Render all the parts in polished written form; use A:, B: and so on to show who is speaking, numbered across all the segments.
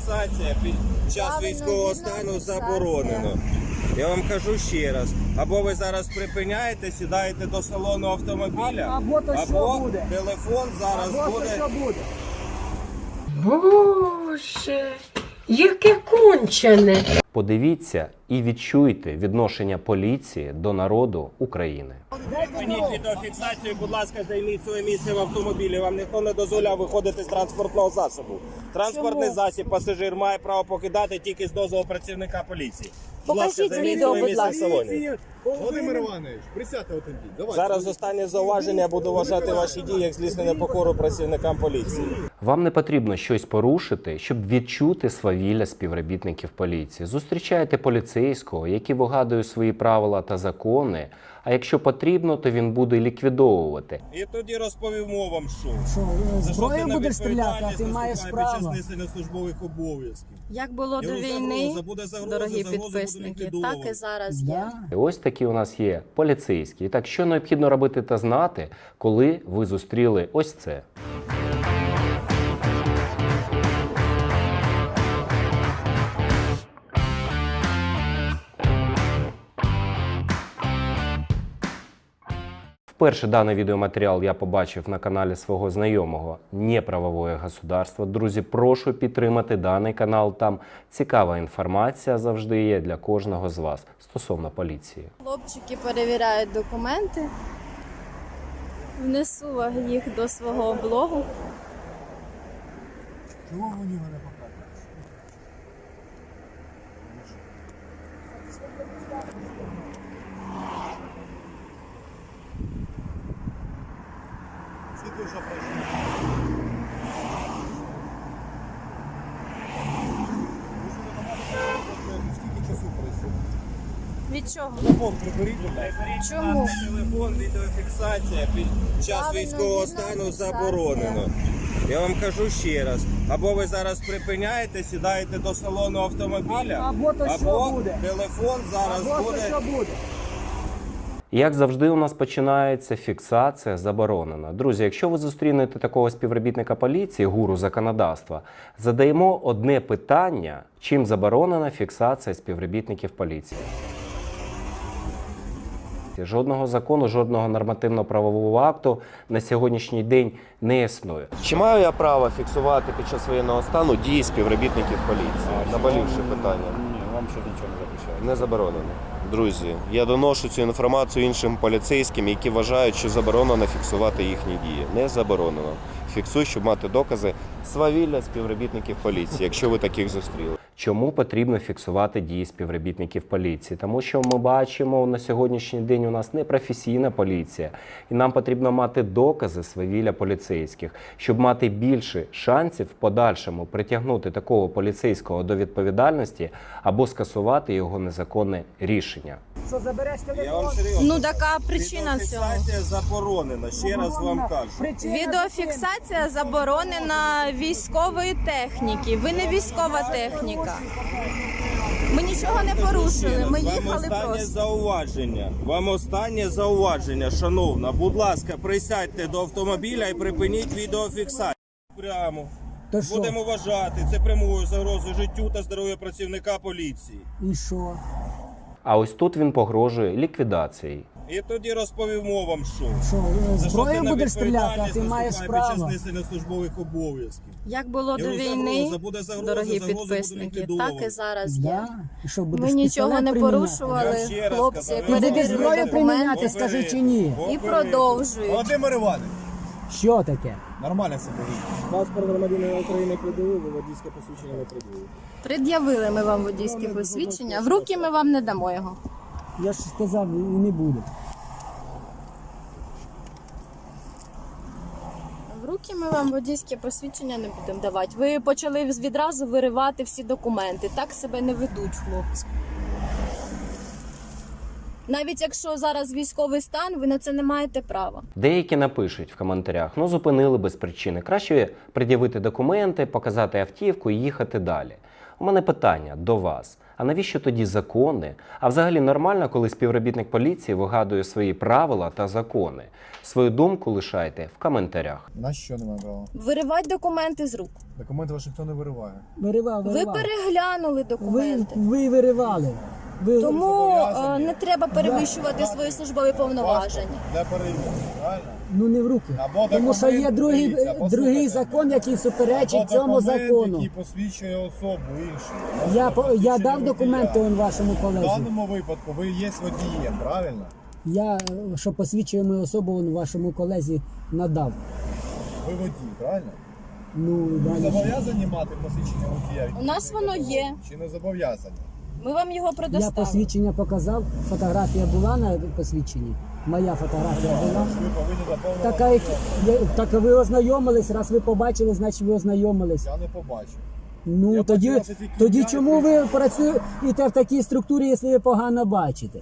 A: Відеофіксація під час військового стану заборонено. Я вам кажу ще раз, або ви зараз припиняєте, сідаєте до салону автомобіля,
B: або буде.
A: Телефон зараз буде.
C: Боже, яке кончене.
D: Подивіться і відчуйте відношення поліції до народу України.
A: Припиніть відеофіксацію, будь ласка, займіть своє місце в автомобілі. Вам ніхто не дозволяв виходити з транспортного засобу. Транспортний засіб пасажир має право покидати тільки з дозволу працівника поліції.
E: Покажіть відео, будь ласка.
F: Володимир Іванович, присядьте отим. Давайте.
A: Зараз останнє зауваження, я буду вважати ваші дії як злісне непокору працівникам поліції.
D: Вам не потрібно щось порушити, щоб відчути свавілля співробітників поліції. Зустрічайте поліцейського, який вигадує свої правила та закони, а якщо потрібно, то він буде ліквідовувати.
A: І тоді розповімо вам, що.
B: Зброєю будеш стріляти, а ти маєш право.
A: Під час несення службових обов'язків.
E: Як було до війни, дорогі підписники, так і зараз є.
D: І ось такі у нас є поліцейські. І так, що необхідно робити та знати, коли ви зустріли ось це? Вперше даний відеоматеріал я побачив на каналі свого знайомого «Неправовое государство». Друзі, прошу підтримати даний канал, там цікава інформація завжди є для кожного з вас стосовно поліції.
E: Хлопчики перевіряють документи. Внесу їх до свого блогу.
F: Чого вони мене показують? Скільки вже пройшло? Скільки часу пройшло?
E: Від чого?
F: Телефон приберіть, будь ласка.
E: Чому?
A: Телефон, відеофіксація під час
E: Правильно,
A: військового стану
E: відеофіксація.
A: заборонено. Я вам кажу ще раз, або ви зараз припиняєте, сідаєте до салону автомобіля,
B: Або буде.
A: телефон зараз буде.
D: І як завжди у нас починається фіксація заборонена. Друзі, якщо ви зустрінете такого співробітника поліції, гуру законодавства, задаємо одне питання, чим заборонена фіксація співробітників поліції. Жодного закону, жодного нормативно-правового акту на сьогоднішній день не існує. Чи маю я право фіксувати під час воєнного стану дії співробітників поліції? Наболівши питання.
F: Ні, вам ще нічого не запрещають.
D: Не заборонено. Друзі, я доношу цю інформацію іншим поліцейським, які вважають, що заборонено фіксувати їхні дії. Не заборонено. Фіксуй, щоб мати докази свавілля співробітників поліції, якщо ви таких зустріли. Чому потрібно фіксувати дії співробітників поліції? Тому що ми бачимо, на сьогоднішній день у нас непрофесійна поліція. І нам потрібно мати докази свавілля поліцейських, щоб мати більше шансів в подальшому притягнути такого поліцейського до відповідальності або скасувати його незаконне рішення.
B: Що забереш
A: Я
B: телефон?
A: вам серйозно.
E: Ну, така причина всього.
A: Відеофіксація заборонена, ще раз вам кажу.
E: Відеофіксація заборонена військової техніки. Ви не військова техніка. Ми нічого не порушили, ми їхали просто.
A: Вам останнє зауваження, шановна. Будь ласка, присядьте до автомобіля і припиніть відеофіксацію. Прямо.
B: То що?
A: Будемо вважати це прямою загрозою життю та здоров'ю працівника поліції.
B: І що?
D: А ось тут він погрожує ліквідацією.
A: І тоді розповімо вам, що.
B: Що,
A: За що
B: зброєю
A: це
B: будеш стріляти, а
A: відповідальність
B: ти маєш
A: наступає під час
B: право.
A: несення службових обов'язків.
E: Як було до війни, дорогі підписники, так і зараз є.
B: Да? І що, будеш
E: Ми нічого
B: пістолет
E: не
B: приміняти?
E: порушували,
A: Я ще раз
E: хлопці
A: казав,
B: Іди
E: перевірили
B: зброю приміняти,
E: документи
B: скажи чи ні.
E: і продовжують.
F: Володимир Іванович,
B: Що таке?
F: нормально себе.
A: Паспорт громадянина України придивив, водійське посвідчення не придивив.
E: Пред'явили ми вам водійське посвідчення, в руки ми вам не дамо його.
B: Я ж сказав, і не буде.
E: В руки ми вам водійське посвідчення не будемо давати. Ви почали відразу виривати всі документи. Так себе не ведуть, хлопці. Навіть якщо зараз військовий стан, ви на це не маєте права.
D: Деякі напишуть в коментарях, ну зупинили без причини. Краще пред'явити документи, показати автівку і їхати далі. У мене питання до вас. А навіщо тоді закони? А взагалі нормально, коли співробітник поліції вигадує свої правила та закони? Свою думку лишайте в коментарях.
F: На що немає права?
E: Виривати документи з рук.
F: Документи ваші ніхто не вириває.
B: Виривав.
E: Ви переглянули документи.
B: Ви виривали. Ви...
E: Тому
F: зобов'язані.
E: не треба перевищувати свої службові повноваження.
F: Не перевірено, правильно?
B: Ну не в руки.
F: Або
B: Тому що є
F: документ,
B: другий,
F: дивіться, послухайте.
B: другий закон, який суперечить
F: Або
B: цьому
F: документ,
B: закону.
F: який посвідчує особу іншу.
B: Я
F: Посвідчення
B: дав
F: водія.
B: документи он вашому
F: В
B: колезі.
F: даному випадку ви є водієм, правильно?
B: Я, що посвідчує мою особу, он вашому колезі надав.
F: Ви водій, правильно?
B: Ну,
F: Ви
B: далі.
F: зобов'язані мати посвідчення водія?
E: У нас воно є.
F: Чи не зобов'язані?
E: Ми вам його
B: Я
E: предоставимо.
B: посвідчення показав, фотографія була на посвідченні. Моя фотографія була.
F: Ви повинні заповнити.
B: Так ви ознайомились, раз ви побачили, значить ви ознайомились.
F: Я не побачив.
B: Ну
F: Я
B: тоді,
F: бачу ваші тільки
B: тоді
F: ім'я,
B: чому ви працюєте в такій структурі, якщо ви погано бачите?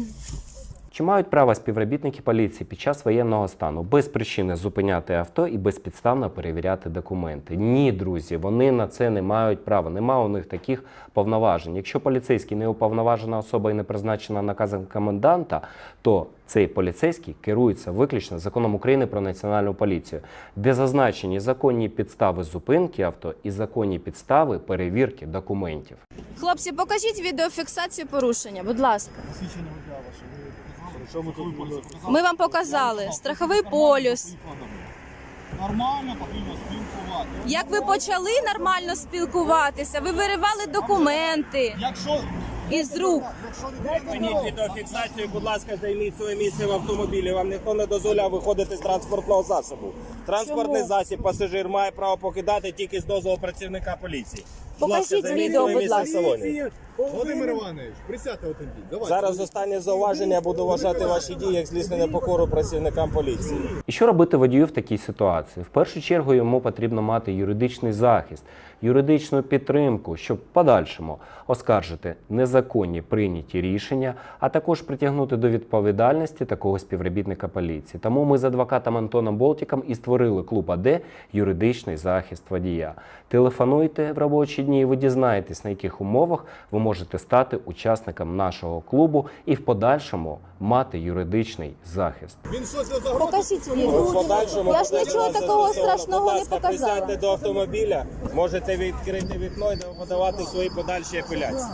D: Чи мають право співробітники поліції під час воєнного стану без причини зупиняти авто і безпідставно перевіряти документи? Ні, друзі, вони на це не мають права, немає у них таких повноважень. Якщо поліцейський не уповноважена особа і не призначена наказом коменданта, то цей поліцейський керується виключно законом України про національну поліцію, де зазначені законні підстави зупинки авто і законні підстави перевірки документів.
E: Хлопці, покажіть відеофіксацію порушення, будь ласка.
F: Посвідчення водія ваше. Що ми тут будемо?
E: Ми вам показали страховий полюс.
F: Нормально, потрібно спілкувати.
E: Як ви почали нормально спілкуватися, ви виривали документи
F: Якщо
E: із рук.
A: Припиніть відеофіксацію, будь ласка, займіть своє місце в автомобілі. Вам ніхто не дозволяв виходити з транспортного засобу. Транспортний
E: Чому?
A: засіб пасажир має право покидати тільки з дозволу працівника поліції. Будь ласка,
E: Покажіть
A: займіть
E: відео,
A: своє
E: будь
A: місце в
E: ласка.
A: салоні.
F: Володимир Іванович, присядьте в темпі. Давай.
A: Зараз останнє зауваження, я буду вважати ваші дії як злісне непокору працівникам поліції.
D: І що робити водію в такій ситуації? В першу чергу йому потрібно мати юридичний захист, юридичну підтримку, щоб в подальшому оскаржити незаконні прийняті рішення, а також притягнути до відповідальності такого співробітника поліції. Тому ми з адвокатом Антоном Болтіком і створили клуб АД «Юридичний захист водія». Телефонуйте в робочі дні і ви дізнаєтесь, на яких умовах ви можете стати учасником нашого клубу і в подальшому мати юридичний захист.
F: Він щось не загрозив.
E: Покажіть
A: В
E: відео.
A: подальшому
E: Я ж нічого
A: буде
E: такого
A: застосовано.
E: страшного
A: Будь
E: не
A: ласка,
E: показала.
A: присядьте до автомобіля, можете відкрити вікно і подавати свої подальші апеляції.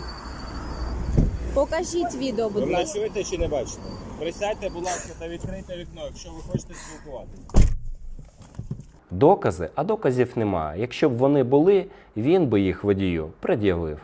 E: Покажіть відео,
A: Ви
E: будь
A: мене
E: ласка.
A: чуєте чи не бачите? Присядьте, будь ласка, та відкрийте вікно, якщо ви хочете спілкуватися.
D: Докази, а доказів немає. Якщо б вони були, він би їх водію пред'явив.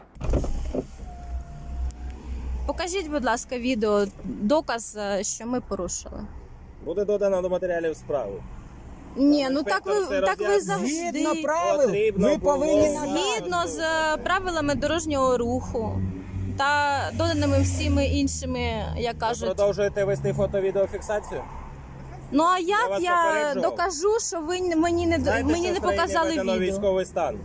E: Покажіть, будь ласка, відео, доказ, що ми порушили.
A: Буде додано до матеріалів справи.
E: Ні, ну так
A: Інспектор все
E: ви
A: роз'яснює.
E: завжди.
B: Згідно правил,
A: Потрібно
B: ви
A: було.
B: повинні надати.
E: Згідно з правилами дорожнього руху та доданими всіми іншими, як кажуть.
A: Продовжуєте вести фото-відеофіксацію?
E: Ну а
A: Я
E: як
A: вас
E: я
A: попереджував.
E: докажу, що ви мені не
A: Знаєте,
E: мені
A: що
E: не
A: в країні
E: показали
A: введено
E: відео?
A: військовий стан?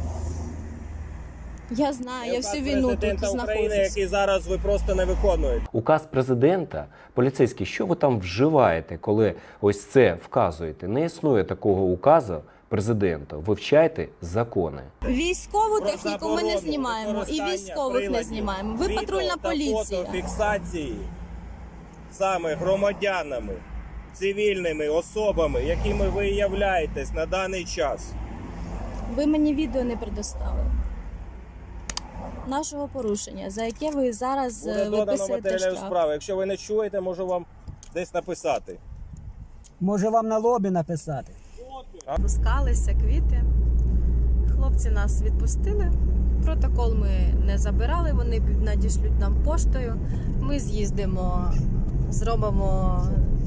E: Я знаю, я
A: Указ
E: всю війну тут
A: президента України,
E: знаходжусь.
A: який зараз ви просто не виконуєте.
D: Указ президента, поліцейський, що ви там вживаєте, коли ось це вказуєте? Не існує такого указу президента. Вивчайте закони.
E: Військову
A: Про
E: техніку ми не
A: заборону
E: знімаємо і
A: використання
E: військових не
A: приладів
E: знімаємо. Ви
A: відео
E: патрульна
A: та
E: поліція.
A: фотофіксації саме громадянами, цивільними особами, якими ви являєтесь на даний час.
E: Ви мені відео не предоставили. Нашого порушення, за яке ви зараз
A: Буде додано
E: виписуєте
A: матеріалів
E: штраф.
A: справи. Якщо ви не чуєте, можу вам десь написати.
B: Може вам на лобі написати?
E: Пускалися квіти. Хлопці нас відпустили. Протокол ми не забирали, вони надішлють нам поштою. Ми з'їздимо, зробимо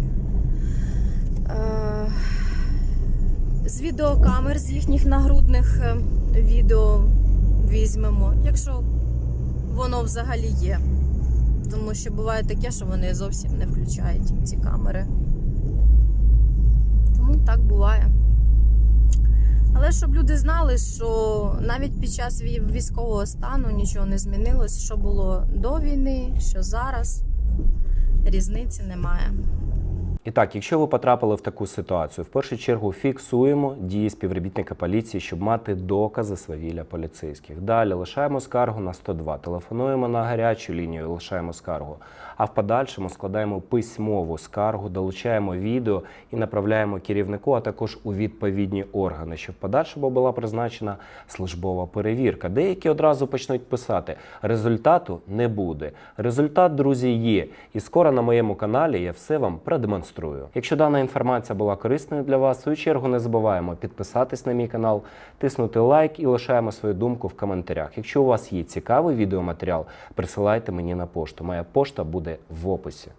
E: з відеокамер, з їхніх нагрудних відео візьмемо, якщо воно взагалі є. Тому що буває таке, що вони зовсім не включають ці камери. Тому так буває. Але щоб люди знали, що навіть під час військового стану нічого не змінилось, що було до війни, що зараз, різниці немає.
D: І так, якщо ви потрапили в таку ситуацію, в першу чергу фіксуємо дії співробітника поліції, щоб мати докази свавілля поліцейських. Далі лишаємо скаргу на 102, телефонуємо на гарячу лінію, лишаємо скаргу. А в подальшому складаємо письмову скаргу, долучаємо відео і направляємо керівнику, а також у відповідні органи, щоб в подальшому була призначена службова перевірка. Деякі одразу почнуть писати, результату не буде. Результат, друзі, є. І скоро на моєму каналі я все вам продемонструю. Якщо дана інформація була корисною для вас, в свою чергу не забуваємо підписатись на мій канал, тиснути лайк і лишаємо свою думку в коментарях. Якщо у вас є цікавий відеоматеріал, присилайте мені на пошту. Моя пошта буде в описі.